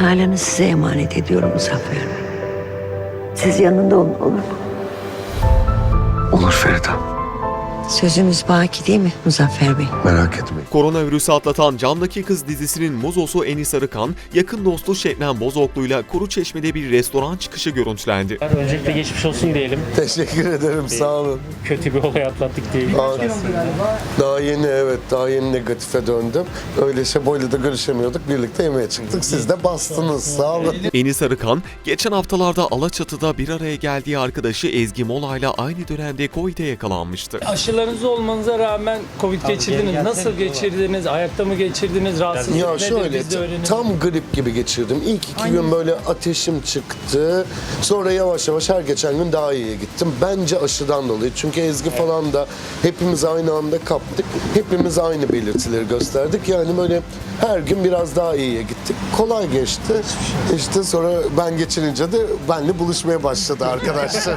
Nalan'ı size emanet ediyorum Muzaffer Bey. Siz yanında olun, olur mu? Olur Feride. Sözümüz baki değil mi Muzaffer Bey? Merak etmeyin. Koronavirüsü atlatan Camdaki Kız dizisinin muzosu Enis Arıkan, yakın dostu Şebnem Bozoklu'yla Kuruçeşme'de bir restoran çıkışı görüntülendi. Öncelikle geçmiş olsun diyelim. Teşekkür ederim, sağ olun. Kötü bir olay atlattık diyelim. Daha yeni, evet, daha yeni negatife döndüm. Öyle Şebo'yla da görüşemiyorduk, birlikte yemeğe çıktık. Siz de bastınız, sağ olun. Enis Arıkan, geçen haftalarda Alaçatı'da bir araya geldiği arkadaşı Ezgi Mola'yla aynı dönemde Covid'e yakalanmıştı. Aşılarınız olmanıza rağmen Covid geçirdiniz. Nasıl geçirdiniz? Ayakta mı geçirdiniz? Rahatsızlık Ya nedir? şöyle, Biz de öğrenelim. tam grip gibi geçirdim. İlk 2 gün böyle ateşim çıktı. Sonra yavaş yavaş her geçen gün daha iyiye gittim. Bence aşıdan dolayı. Çünkü Ezgi falan da hepimiz aynı anda kaptık. Hepimiz aynı belirtileri gösterdik. Yani böyle her gün biraz daha iyiye gittik. Kolay geçti. İşte sonra ben geçirince de benle buluşmaya başladı arkadaşlar.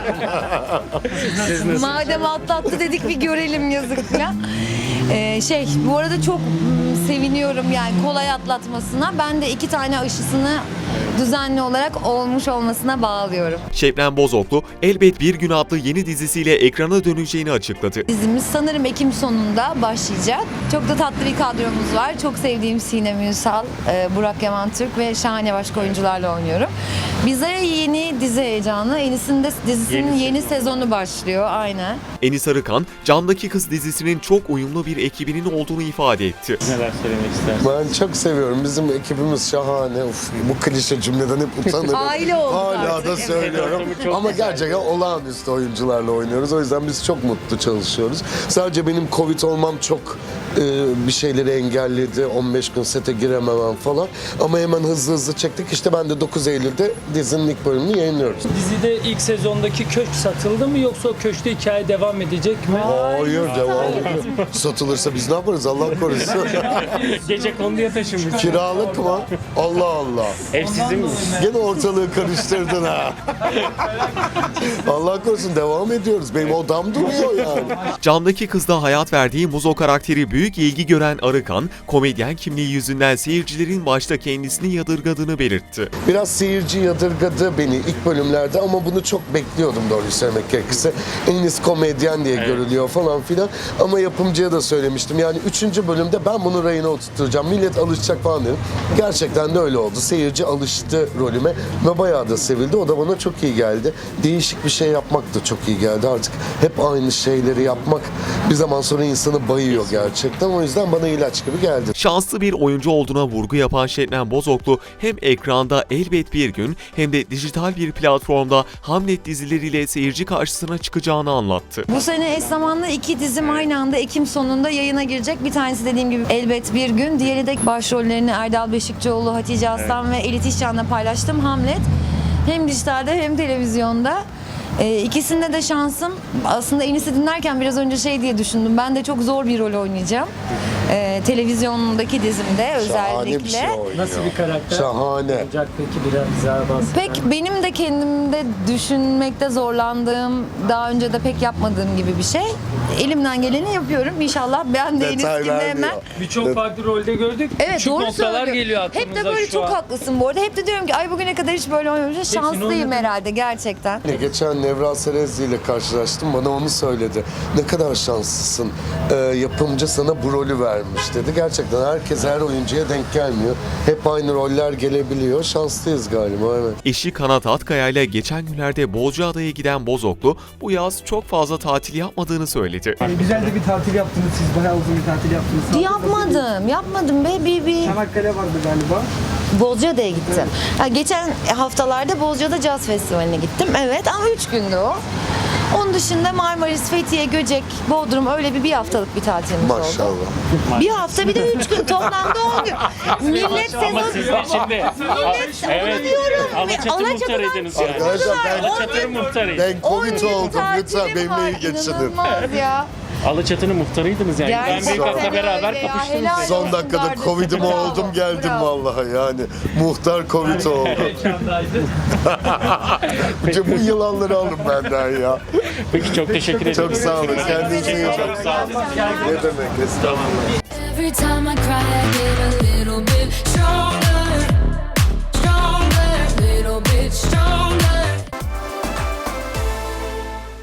Madem atlattı dedik bir görelim yazık ya. Bu arada çok seviniyorum yani kolay atlatmasına. Ben de 2 tane aşısını düzenli olarak olmuş olmasına bağlıyorum. Şebnem Bozoklu, Elbet Bir Gün adlı yeni dizisiyle ekrana döneceğini açıkladı. Dizimiz sanırım Ekim sonunda başlayacak. Çok da tatlı bir kadromuz var. Çok sevdiğim Sinem Ünsal, Burak Yaman Türk ve şahane başka oyuncularla oynuyorum. Bize yeni dizi heyecanı. Enis'in de dizisinin yeni sezonu başlıyor. Aynen. Enis Arıkan, Camdaki Kız dizisinin çok uyumlu bir ekibinin olduğunu ifade etti. Neler söylemek istersiniz? Ben çok seviyorum. Bizim ekibimiz şahane. Uf, bu klişe cümleden hep utanırım. Aile olduk Hala artık. da söylüyorum. Ama gerçekten olağanüstü oyuncularla oynuyoruz. O yüzden biz çok mutlu çalışıyoruz. Sadece benim Covid olmam çok bir şeyleri engelledi. 15 gün sete girememem falan. Ama hemen hızlı çektik. İşte ben de 9 Eylül'de dizinin ilk bölümünü yayınlıyoruz. Dizide ilk sezondaki köşk satıldı mı yoksa o köşkte hikaye devam edecek mi? Hayır, devam ediyor. Satılırsa biz ne yaparız Allah korusun. Gece konuya taşınmış. Kiralık mı? Allah Allah. Ev sizin mi? Gene ortalığı karıştırdın ha. Allah korusun, devam ediyoruz. Benim odam duruyor yani. Camdaki Kız'da hayat verdiği Muzo karakteri büyük ilgi gören Arıkan, komedyen kimliği yüzünden seyircilerin başta kendisini yadırgadığını belirtti. Biraz seyirci yadırgadı beni ilk bölümlerde ama bunu çok bekliyordum doğruyu söylemek gerekirse. Enis komedyen diye görülüyor falan filan. Ama yapımcıya da söylemiştim. Yani 3. bölümde ben bunu rayına oturtacağım. Millet alışacak falan dedim. Gerçekten de öyle oldu. Seyirci alıştı rolüme ve bayağı da sevildi. O da bana çok iyi geldi. Değişik bir şey yapmak da çok iyi geldi. Artık hep aynı şeyleri yapmak bir zaman sonra insanı bayıyor gerçekten. O yüzden bana ilaç gibi geldi. Şanslı bir oyuncu olduğuna vurgu yapan Şebnem Bozoklu, hem ekranda Elbet Bir Gün hem de dijital bir platformda Hamlet dizileriyle seyirci karşısına çıkacağını anlattı. Bu sene eş zamanlı 2 dizim aynı anda Ekim sonunda yayına girecek. Bir tanesi dediğim gibi Elbet Bir Gün. Diğeri de başrollerini Erdal Beşikçioğlu, Hatice Aslan ve Elit İşcan'la paylaştım. Hamlet. Hem dijitalde hem televizyonda. İkisinde de şansım. Aslında Enis'i dinlerken biraz önce diye düşündüm. Ben de çok zor bir rol oynayacağım. Televizyondaki dizimde özellikle. Şahane bir şey oynuyor. Nasıl bir karakter Şahane. olacak peki biraz daha bahsedelim. Pek benim de kendimde düşünmekte zorlandığım, daha önce de pek yapmadığım gibi bir şey. Elimden geleni yapıyorum. İnşallah ben de Enis Detay gibi hemen. vermiyor. Birçok farklı rolde gördük. Evet, Küçük doğru noktalar söylüyor. geliyor aklımıza Hep de böyle şu çok an. haklısın bu arada. Hep de diyorum ki ay bugüne kadar hiç böyle oynamamışım. Şanslıyım oynadın. herhalde gerçekten. Geçen Nevra Serezli ile karşılaştım. Bana onu söyledi. Ne kadar şanslısın. Yapımcı sana bu rolü vermiş dedi. Gerçekten herkes her oyuncuya denk gelmiyor. Hep aynı roller gelebiliyor. Şanslıyız galiba, evet. Eşi Kanat Atkaya ile geçen günlerde Bozcaada'ya giden Bozoklu, bu yaz çok fazla tatil yapmadığını söyledi. Güzel de bir tatil yaptınız siz. Bayağı uzun bir tatil yaptınız. Yapmadım be. Bir Çanakkale vardı galiba. Bozcaada'ya gittim. Ya geçen haftalarda Bozcaada Caz Festivali'ne gittim. Evet ama 3 gündü o. Onun dışında Marmaris, Fethiye, Göcek, Bodrum öyle bir haftalık bir tatilimiz oldu. Maşallah. Bir hafta bir de 3 gün toplamda 10 gün. Millet Ama sezon... siz de şimdi onu diyorum. Alaçatı muhtarıydınız yani. Arkadaşlar Alaçatı'nın muhtarıydı. ben Covid oldum. Lütfen benimle iyi geçinin. İnanılmaz ya. Alaçatı'nın muhtarıydınız yani. Ben Gerçekten Büyükak'la beraber öyle ya, kapıştınız. helal yani. Son olsun dakikada kardeşim, Covid'im bravo, oldum geldim bravo. vallahi yani. Muhtar Covid oldu. Bu yılanları alın benden ya. Peki çok teşekkür ederim. Çok sağ olun. Kendinize iyi bakın. Sağ olun. Ne demek? Estağfurullah. Every time I cry, I get a little bit stronger.